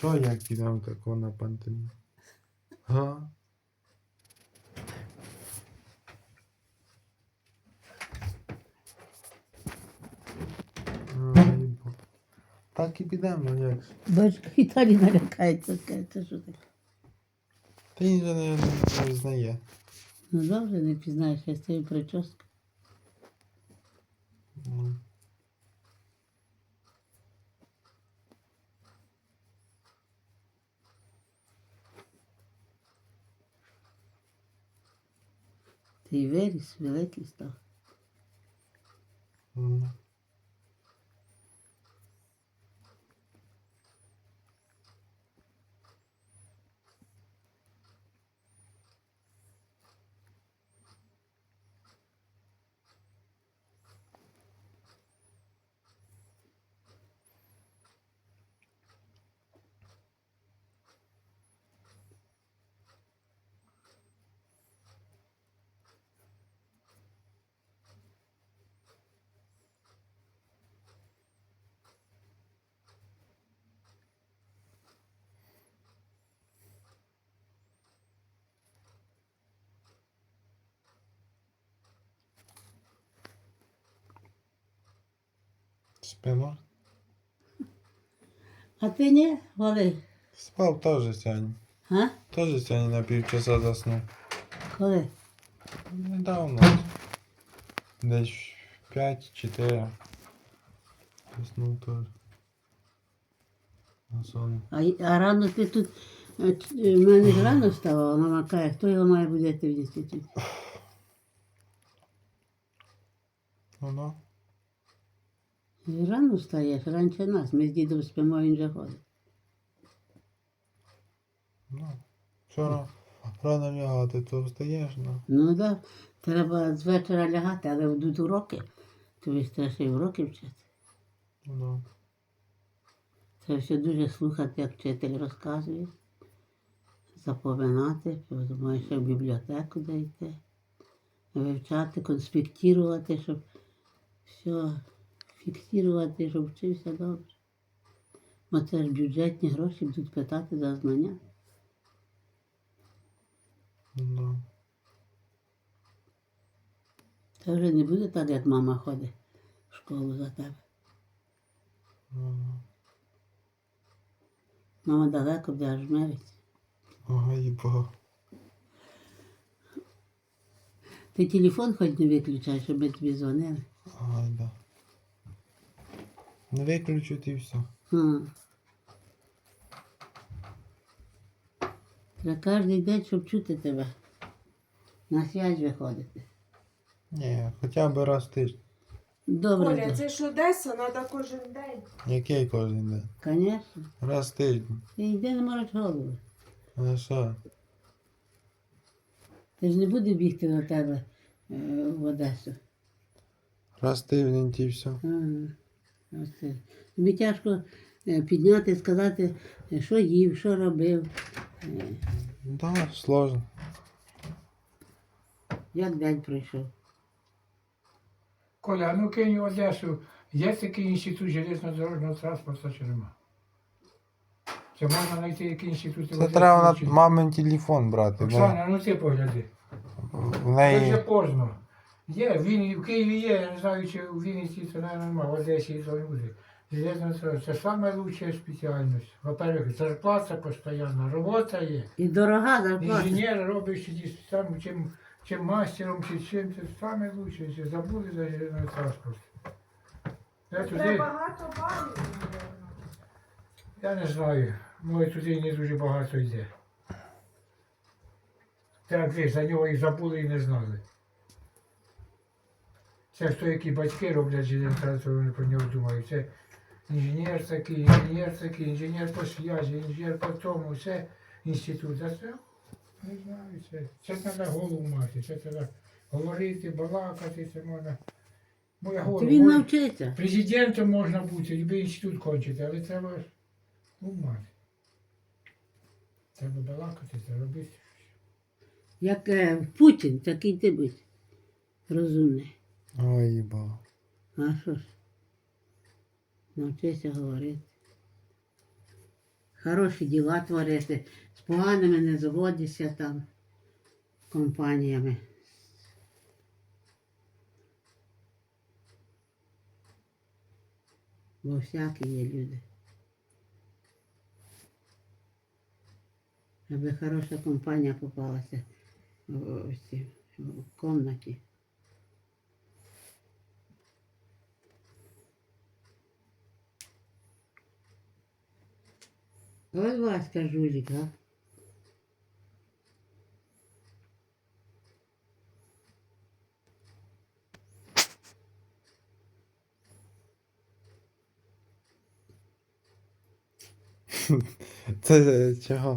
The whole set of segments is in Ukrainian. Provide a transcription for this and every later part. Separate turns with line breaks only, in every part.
Що я кидав такого на пантину? Га? Ай, так і підемо, ну як ж.
Бач, Віталій налякається, скаже, це що таке?
Та він же не знає.
Ну добре, не пізнаєш, я з цією прическою.
Ну.
Ти й виріс, великий став.
Ну. Спимо?
А ти ні, Вали?
Спав теж сьогодні.
А?
Теж сьогодні на півчаса заснув.
Коли?
Недавно. Десь 5-4. Заснув теж. На сон.
А рано ти тут, в мене ж рано вставала, мама каже, хто його має будити в інституті?
Ну.
І рано встаєш, раніше нас, ми з дідом спимо, він вже ходить.
Ну. Вчора рано лягати, то встаєш, ну.
Ну так, треба з вечора лягати, але будуть уроки, тобі ж треба ще й уроки вчити.
Ну.
Треба ще дуже слухати, як вчитель розказує, запоминати, потім ще в бібліотеку дійти, вивчати, конспектувати, щоб все фіксувати, щоб вчився добре. Бо це ж бюджетні гроші будуть питати за знання.
Ну.
Це вже не буде так, як мама ходить в школу за тебе.
Ну.
Мама далеко буде аж мерить.
Ой, бо.
Ти телефон хоч не виключай, щоб ми тобі дзвонили.
Ай, да. Не виключити і все.
Треба кожен день, щоб чути тебе. На связь виходити.
Ні, хоча б раз в тиждень.
Добре.
Оля, це ж Одеса, треба кожен день.
Який кожен день?
Звісно.
Раз в тиждень.
Ти йди не морочь голову.
А що?
Ти ж не будеш бігти до тебе в Одесу.
Раз в тиждень і все.
Ось це. Тобі тяжко підняти, сказати, що їв, що робив,
Да, сложно.
як день пройшов.
Коля, а ну кинь в Одесу, є такий інститут железнодорожного транспорту чи нема? Це можна знайти який інститут?
Це треба на мамин телефон брати.
Оксана, ну ти погляди.
В
Це вже
неї.
поздно. Є, в Києві є, я не знаю, чи у Вінниці це немає, в Одесі то не буде. Железна дорога, це найкраща спеціальність. Во-первых, зарплата постійна, робота є.
І дорога зарплата.
Інженер робить там, чим мастером, чи чим, це саме лучше, якщо забули за железний транспорт. Я
Треба
туди,
багато балів.
я не знаю, може туди не дуже багато йде. Так, ви за нього і забули, і не знали. Це хто, які батьки роблять железний транспорт, вони про нього думають. Це інженер такий, інженер по зв'язі, інженер по тому, це інститут. А це, не знаю, це треба голову мати, це треба говорити, балакати, це можна. Бо я говорю,
Він навчиться.
президентом можна бути, любий інститут кончити, але треба ж мати. Треба балакати, це робити.
Як Путін, такий ти будь. Розумний.
Ой, бо.
А що ж? Навчися говорити. хороші діла творити, з поганими не заводишся там компаніями. Бо всякі є люди. Аби хороша компанія попалася в кімнаті. Ось Васька жулик, а?
Це чого?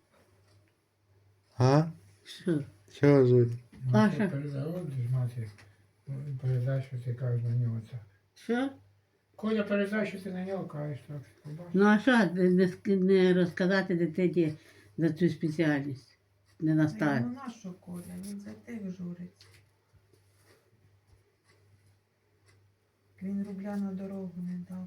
А?
Що?
Чого жуль?
Паша.
Передавай, мати, передай, що ти кажеш на нього так.
Що?
Коля, передай, що ти на нього кажеш так. Побачиш?
Ну а що не розказати дитині за цю спеціальність? Не
А йому
наставити.
нащо Коля? Він за тих журиться. Він рубля на дорогу не дав.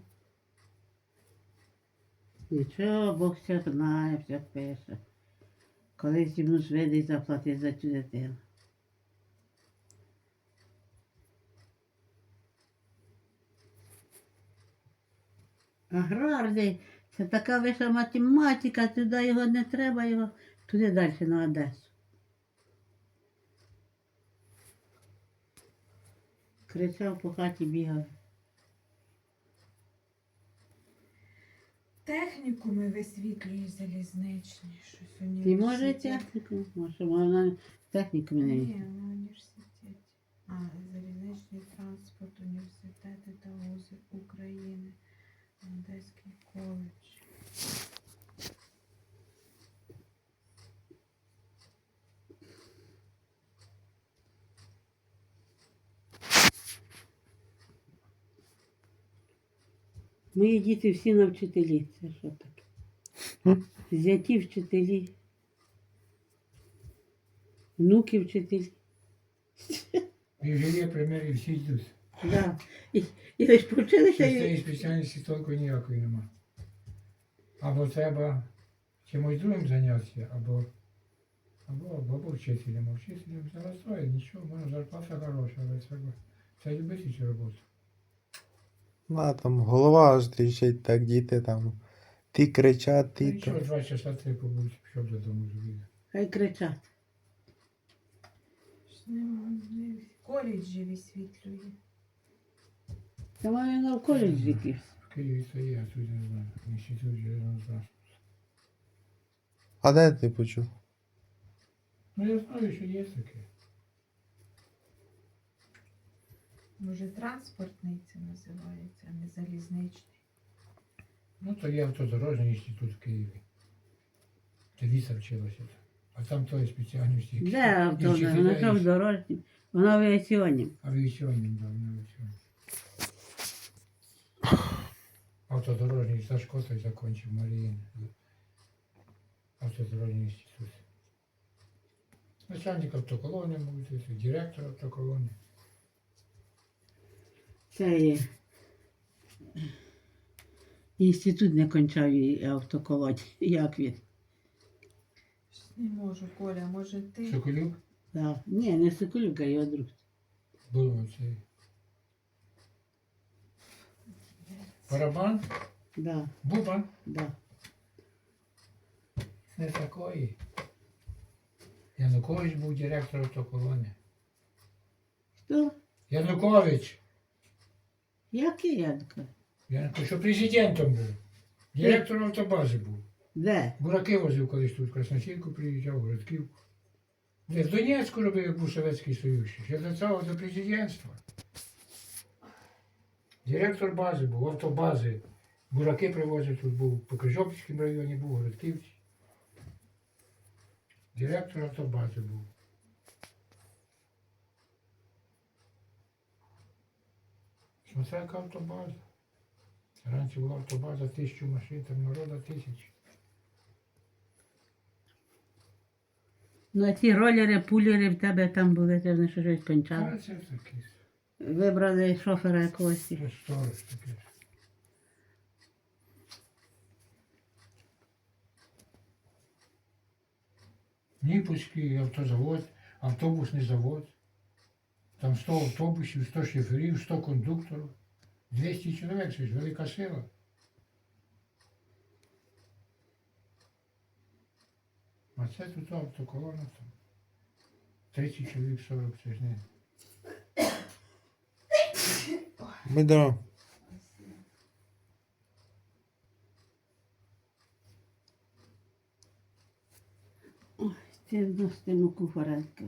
Нічого, Бог все знає, все пише. Колись йому свидить заплатить за цю дитину. Аграрний, це така вища математика, туди його не треба, його туди далі на Одесу. Кричав по хаті бігав.
Технікуми висвітлює залізничні. Щось
Ти
університет.
може техніку? Може, вона техніку не
Ні,
вміє.
на університеті. Залізничний транспорт, університети та вузи України. Одеський коледж.
Мої діти всі на вчителі. Це що таке? Зяті вчителі. Внуки вчителі.
І вже є приміри, всі йдуть.
Да. І ви ж повчилися.
З цієї спеціальності толку ніякої нема. Або треба чимось другим зайнятися, або вчителем. А вчителем це настроє, нічого, можна зарплата хороша, але це любити цю роботу.
На там голова аж тріщить, так діти там. Ті кричать, ті
Нічого,
то.
2 часа 3 побудь, пішов додому зробити.
Хай кричать.
В коледжі висвітлює.
Та має на в коледжі якийсь.
В Києві це є, а тут не знаю. Інститут железного транспорту.
А де ти почув?
Ну я знаю, що є таке.
Може, транспортний це називається, а не залізничний.
Ну то є автодорожній інститут в Києві. Де Віса вчилася. А там тої спеціальності.
Де авто? Вона що в дорожні? Вона в авіаційній.
Авіаційним, да, на авіаційним. Автодорожний Сашко той закончив Маріїн. Автодорожний інститут. Начальник автоколони, мабуть, директор автоколони.
Це є. Інститут не кончав і автоколоні. Як він?
Не можу, Коля, може ти?
Соколюк
Да. Ні, не Соколюк, а його друг.
був цей. Барабан,
Да,
Буба,
да.
не такої. Янукович був директор автоколони.
Хто?
Янукович!
Який Янко?
Янукович, що президентом був. Директор автобази був.
Де?
Бураки возив колись тут, в Красносілку приїжджав, Городківку. Де в Донецьку робив, як був Совєтський Союз. Ще до цього до президентства. Директор бази був, автобази. Бураки привозив тут був, по Крижопільському районі був, Городківці. Директор автобази був. Смотря яка автобаза. Раніше була автобаза 1000 машин, там народу 1000.
Ну, а ті ролери, пулери в тебе там були, ти вони щось
А
кончали.
це таке.
Вибрали шофера якогось.
Це сторож таке. Ніпольський автозавод, автобусний завод. Там 100 автобусів, 100 шоферів, 100 кондукторів. 200 чоловік, це ж велика сила. А це тут автоколона там. 30 чоловік, 40, це ж не.
Бедро.
Ти вносити муку фареньки.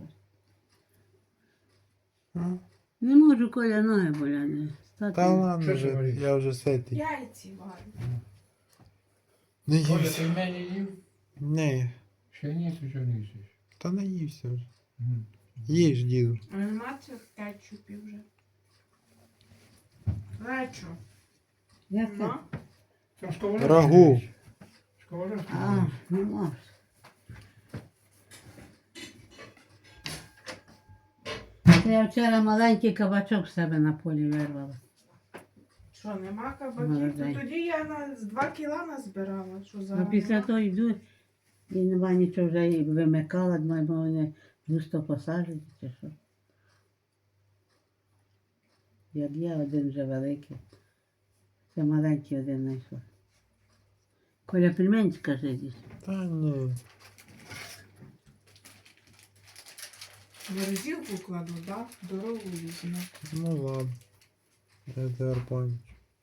А?
Не можу, Коля, ноги болять. Стати.
Та ладно
Що це
вже,
говорить?
я вже ситий.
Яйці варю.
Не
Коля,
ївся.
ти в мене їв?
Ні,
Ще ні, ти чого не їсиш?
та не ївся вже.
Мгм.
Їж, діду.
А нема цих кетчупів вже. Лечо.
Як це?
Ну,
Там сковородки
Рагу.
десь. Сковородки
А,
десь.
не можеш. Це я вчора маленький кабачок в себе на полі вирвала.
що, нема кабаків?
Молодець.
То тоді я з 2 кіла назбирала. Що за
А після того йду і нема нічого вже і вимикала, думаю, бо вони густо посаджені чи що. Як я, один вже великий. Це маленький один знайшла. Коля, пельмень скажи десь.
Та ні.
Верзілку кладу, да? Дорогу візьму.
Ну ладно. Я тепер пам'ятаю.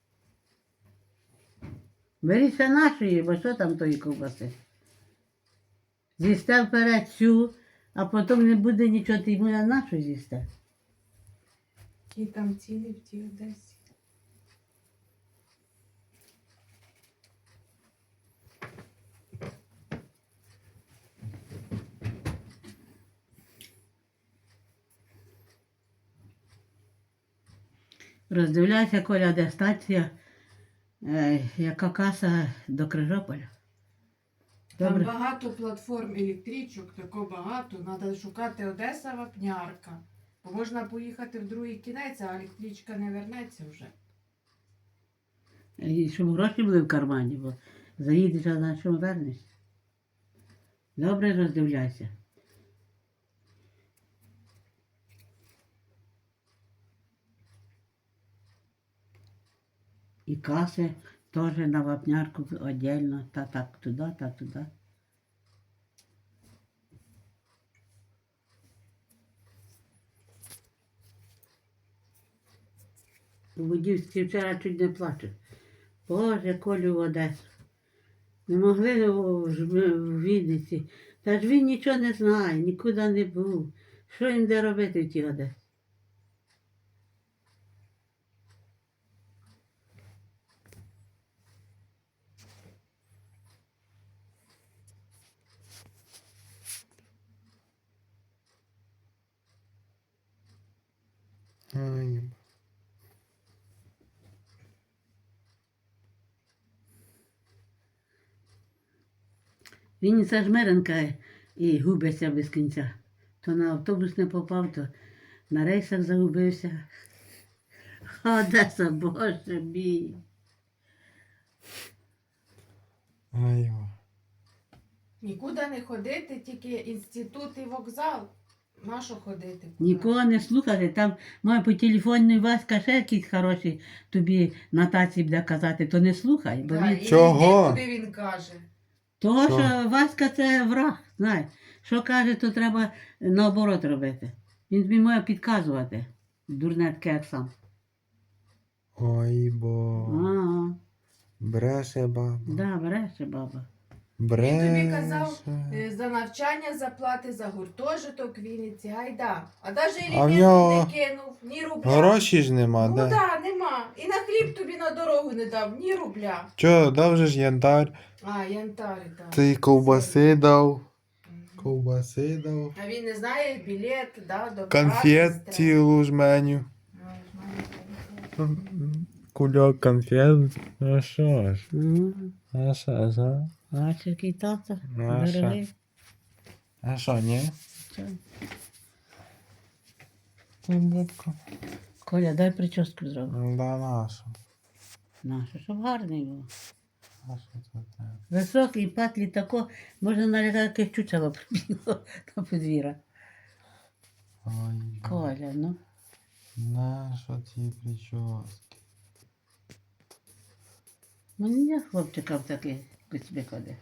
Беріться нашої, бо що там тої ковбаси? З'їсте вперед цю, а потім не буде нічого, ти йому на нашу з'їсте.
Які там ціни в тій Одесі.
Роздивляйся, Коля, де стація, яка каса до Крижополя.
Там
Добре.
багато платформ електричок, тако багато. Треба шукати Одеса Вапнярка. Бо можна поїхати в другий кінець, а електричка не вернеться вже.
І щоб гроші були в кармані, бо заїдеш, а на чому вернешся. Добре, роздивляйся. І каси теж на вапнярку віддільно, та так туди, та туди. У Будівській вчора чуть не плачу. Боже, Колю в Одесу. Не могли в Вінниці. Та ж він нічого не знає, нікуди не був. Що їм де робити в тій Одесі?
Ай,
Вінниця жмеренка і губиться без кінця. То на автобус не попав, то на рейсах загубився. Одеса, Боже мій.
ай.
Нікуди не ходити, тільки інститут і вокзал. На що ходити?
Нікого не слухати. Там має по телефону Васька ще якісь хороші тобі нотації буде казати, то не слухай. Бо
Да,
він...
і
Чого?
йди, куди він каже.
Того,
Що?
що Васька це враг, знаєш. Що каже, то треба наоборот робити. Він тобі має підказувати. Дурне таке, як сам.
Ой, бо.
Ага,
Бреше баба.
да, бреше баба.
Бреше.
Він тобі казав, за навчання заплати, за гуртожиток в Вінниці, гайда. А навіть
А в
елемент
нього
не кинув, ні рубля.
Гроші ж нема,
Ну
де?
да, нема. І на хліб тобі на дорогу не дав, ні рубля.
Чо, дав же ж янтар,
А, янтарі, так.
ти й ковбаси дав. Ковбаси дав.
А він не знає білет, да, до
Конфет
праці
цілу жменю.
треба.
Кульок конфет. А що ж?
Мгм.
А що ж, а?
Бачиш, який тато.
Ну, що?
Дорогий.
А що, ні?
Що?
Бубка.
Коля, дай прическу зроби.
Да наша.
Нашу, щоб гарний був.
А що це треба?
Високий, патлі тако, можна налякати, як чучело прибігло на подвір'я.
Ой,
Коля, ну.
нащо ці прически?
Ну ні, хлопчика в такий куцьбі ходить.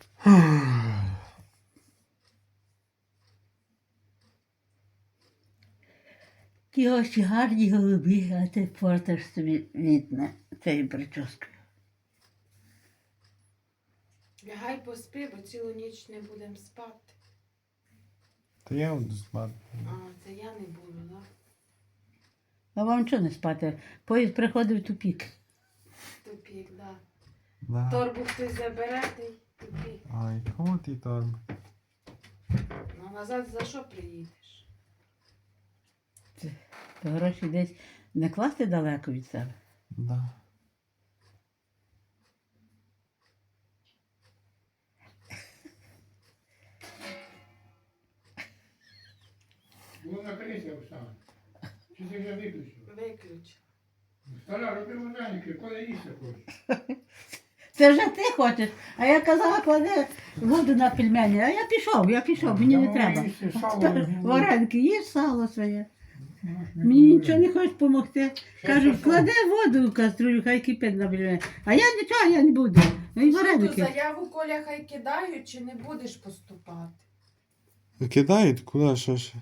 Ті очі гарні голубі, а ти портиш собі вітне цією прическою.
Лягай поспи, бо цілу ніч не будемо спати.
Та я буду спати.
А, це я не буду, так?
А вам чого не спати? Поїзд приходив в тупік.
Тупік, так.
Да.
Торбу хтось забере, ти й тупік.
Ой, кому ти торб?
Ну, а назад за що приїдеш?
То гроші десь не класти далеко від себе.
Да.
Було накрися, Оксана. Чи ти вже виключив?
Виключ.
Стара, роби вареники, коли їсти хочеш.
Це вже ти хочеш. А я казала, клади воду на пельмені. А я пішов, мені не
Давай
треба.
їсти сало,
Тепер
ну,
вареники, їж сало своє.
ну,
Мені нічого не хочеш допомогти. Кажу,
що?
клади воду в каструлю, хай кипить на пельмені. А я нічого, я не буду. Ну і
Що ту
вареники.
заяву Коля хай кидають, чи не будеш поступати?
Кидають? Куди? Що ще?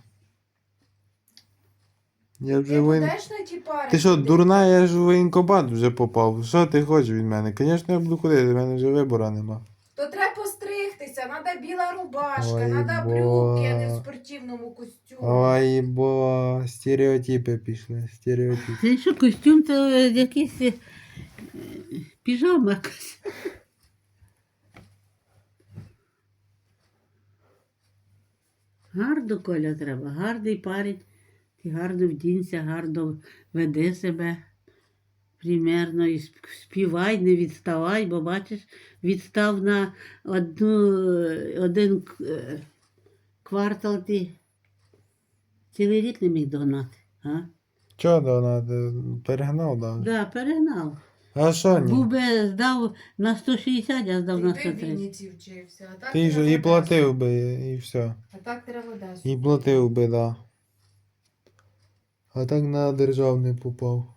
Я
Ти
вже воєн...
будеш на ті пари?
Ти що,
ходити?
дурна, я ж в воєнкомат вже попав. Що ти хочеш від мене? Звісно, я буду ходити, в мене вже вибору нема.
То треба постригтися, треба біла рубашка,
Ой,
треба
бо.
брюки, а не в спортивному костюмі.
Ой, бо стереотипи пішли, стереотипи.
Це що, костюм, то якийсь піжама якась. Гарно, Коля, треба, гарний парень. Ти гарно вдінься, гарно веди себе примерно і співай, не відставай, бо бачиш, відстав на один квартал ти цілий рік не міг догнати. А?
Чого донати? Перегнав, да?
Да, перегнав.
А що
Був
ні?
би здав на 160, а здав на
Ти в
130.
Вінниці вчився, а так
Ти ж
треба
і
в
платив
Одесу.
би, і все.
А так треба в Одесу.
І платив би, да. А так на державний попав.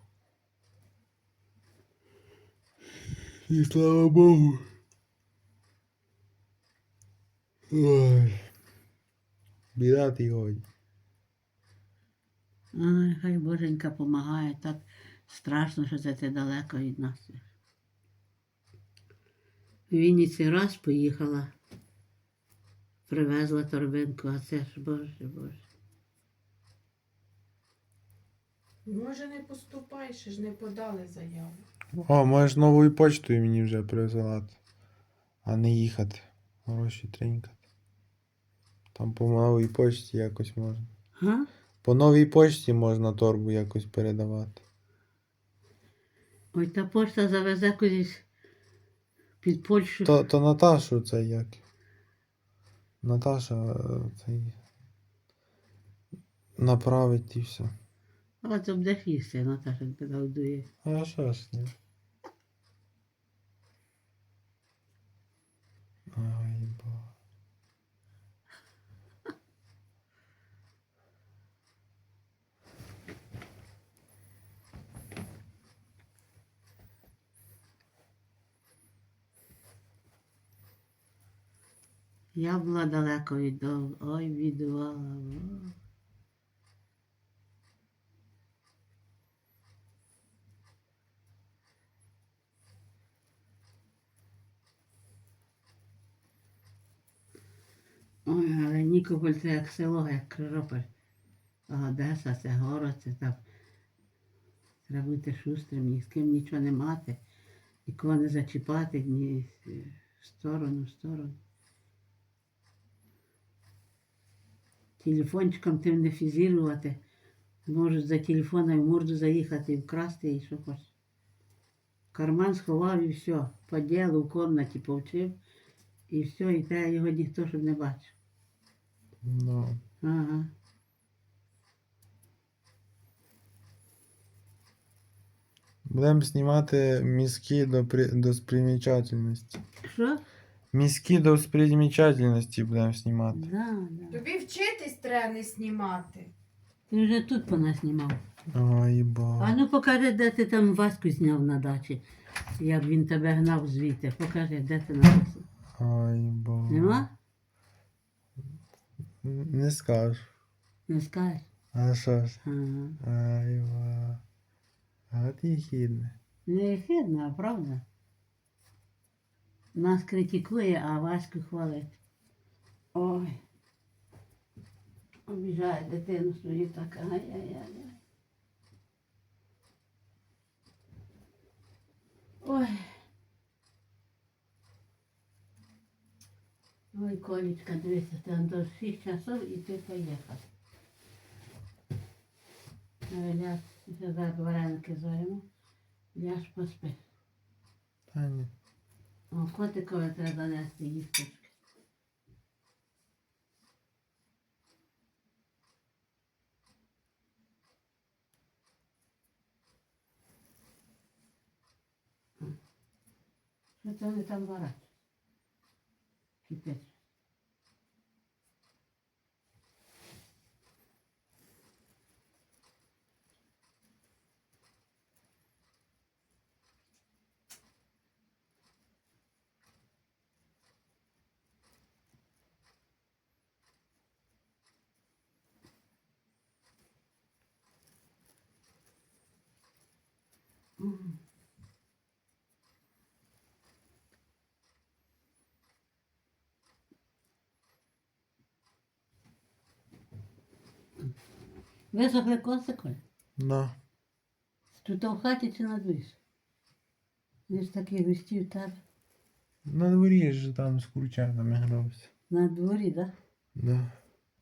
І слава Богу. Ой. Біда ти годі.
Ай, хай Боженька помагає, так страшно, що це ти далеко від нас. В Вінниці раз поїхала, привезла торбинку, а це ж, Боже.
Може не поступай, ще ж не подали заяву.
О, можеш новою почтою мені вже присилати. А не їхати. Гроші тринькати. Там по новій почті якось можна.
Га?
По новій почті можна торбу якось передавати.
Ой, та пошта завезе кудись під Польщу.
То Наташу це як? Наташа цей направить і все.
А це будеш їсти, Наташа тебе годує.
А що ж ні? Ой, бо.
Я була далеко від дому. Ой, бідувала. Ой, але Нікополь це як село, як Крижополь. А Одеса це город, це там. Треба бути шустрим, ні з ким нічого не мати, нікого не зачіпати, ні в сторону. Телефончиком тим не фізірувати. Можуть за телефоном в морду заїхати і вкрасти, і що хочеш. Карман сховав і все. По ділу в кімнаті повчив. І все, і те його ніхто щоб не бачив.
Ну. Будемо знімати мізки до спримічательності.
Що?
Мізки до спримічательності будемо знімати.
Да, да.
Тобі вчитись треба не знімати.
Ти вже тут понаснімав.
Ой,
А
ба.
ну покажи, де ти там Ваську зняв на дачі. Як він тебе гнав звідти. Покажи, де ти написав.
Ой, ба.
Нема?
Не скажу.
Не скажеш?
А що ж?
Ага.
Ай, ба. А ти хідне.
Не хидно, а правда? Нас критикує, а Ваську хвалить. Ой. Обіжає дитину свою так. Ай-яй-яй. Ой. Ой, Колечка, дивися, ти до 6 часов і ти поїхав. Ляж, зараз вареники зваримо. Ляж поспи.
Та ні.
О, котикові треба нести їсточки. Що це вони там варять? Кипять. Мгм. Висохли косики?
Да.
Тут в хаті чи на дворі? Він ж такий густі в тебе.
На дворі ж там з курчатами грався.
На дворі, так? Да?
Да.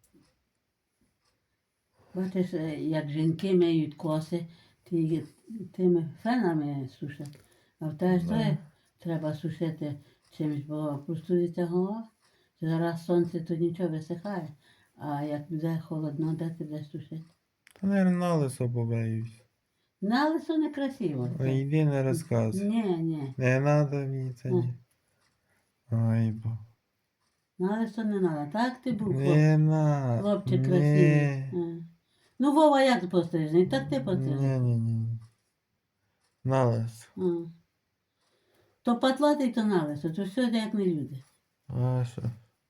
Бачиш, як жінки миють коси, тими фенами сушать. А в тебе ж
Да.
це треба сушити чимось, бо простудиться голова. Зараз сонце, то нічого висихає. А як буде холодно, де ти будеш сушити?
Та, наверное, на лисо побоюсь.
На лисо не красиво.
Ой, йди не розказуй.
Ні.
Не надо мені це ні. Ой, бо.
На лисо не треба. Так ти був
Не надо.
хлопчик
Ні.
красивий. Ну, Вова як пострижений, так ти
Ні,
пострижений.
ні, ні. На лисо.
То патлатий, то на лисо, то все як не люди.
А що?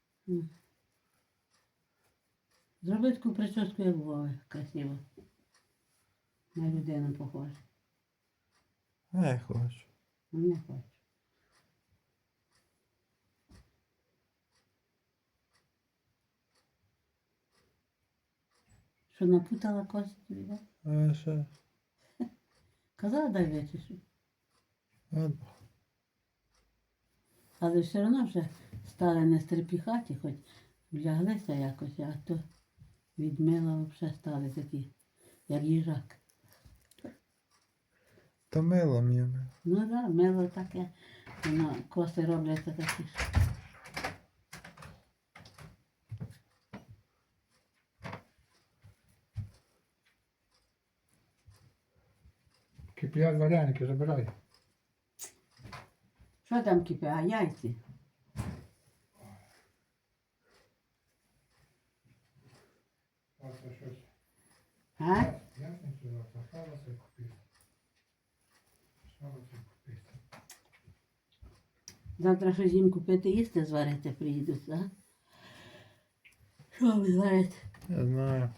Зроби таку прическу, як Вова, красиво. На людину похоже.
Не хочу.
Не хочу. Що напутала коси тобі, так?
А що?
Казала, дай вичешу.
От.
Але все одно вже стали не стрепіхаті, хоч вляглися якось, а то від мила взагалі стали такі, як їжак.
То мило мені.
Ну так, да, мило таке, воно коси робляться такі ж.
Киплять вареники, забирай.
Що там кипе, а яйці?
Завтра щось.
А?
Ясницю завтра, сало це купити. Сало це купити.
Завтра щось їм купити їсти, зварити приїдуть, так? Що ви зварите?
Я знаю.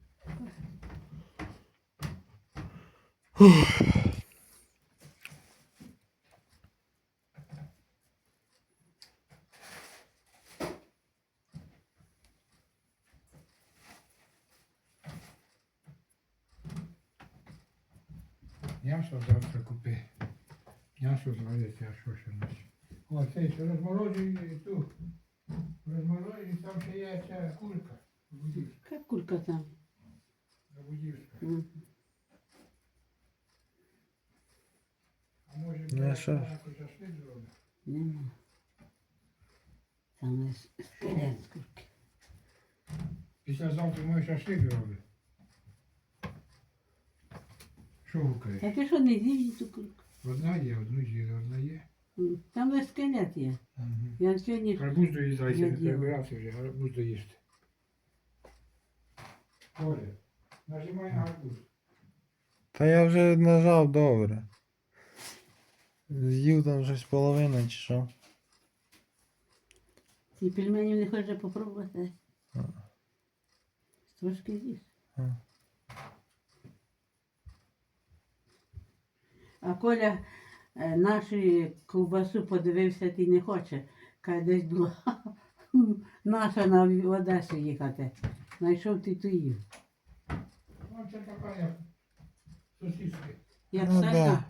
М'ясо завтра купи. М'ясо зварити, а що ще ночі. О, цей що розморожує ту. Розморожує, там ще є ця кулька. Будівська.
Яка курка там?
Будівська.
М.
А може
Ну, а що ж?
якось шашлик зробить?
Нема. Там скелет з курки.
Післязавтра мой шашлик зробить. Що гукає?
Та ти що не з'їв ту курку?
Одна є, одну з'їли, одна є.
Там весь скелет є. Я сьогодні ж
Гарбуз доїдайся,
Я
не
діла.
прибирався вже, гарбуз доїсти. Оля, нажимай на гарбуз.
Та я вже нажав добре. З'їв там щось половина чи що.
ці пельмені не хочеш попробувати.
А.
Трошки з'їж.
А.
А Коля нашу ковбасу подивився, ти не хоче. Каже, десь була наша на Одесу їхати. Знайшов ти ту їв.
Ну, це така як сосиски.
Як
Ну,
сальна.
да.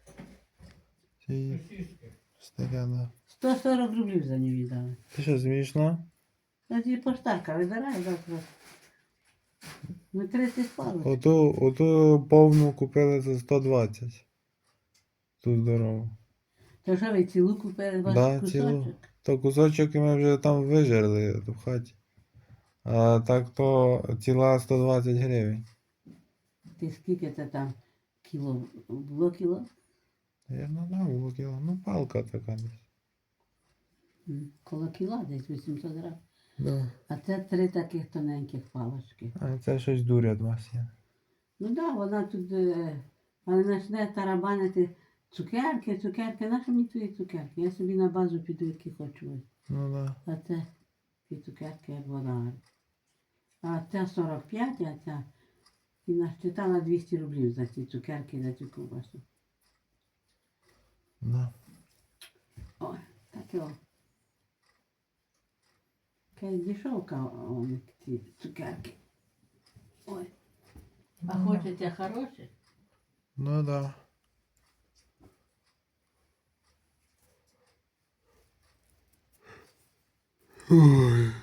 Ці
Сосиски.
таке, да.
140 рублів за нього віддали.
Ти що, смішно?
А ті поштарка видирає завтра. Ну 30 палок.
Оту повну купили за 120. Ту здорову.
То що ви цілу купили ваш
Да,
кусочок?
цілу. То кусочок ми вже там вижерли в хаті. А так то ціла 120 гривень.
Ти скільки це там кіло? Було кіло?
Я не знаю, було кіло. Ну, палка така десь.
Коло кіла десь 800 грам.
Да.
А це 3 таких тоненьких палочки.
А це щось дурять вас є.
Ну так, да, вона тут але почне тарабанити цукерки. Нащо мені твої цукерки? Я собі на базу піду, які хочу.
Ну да.
А це ті цукерки, як вона. А це 45, а ця і насчитала 200 рублів за ці цукерки, за цю ковбасу.
Да.
Ой, таке о. Якась дешевка, вони ці цукерки. Ой. А хочете хороше?
Ну да. Ой.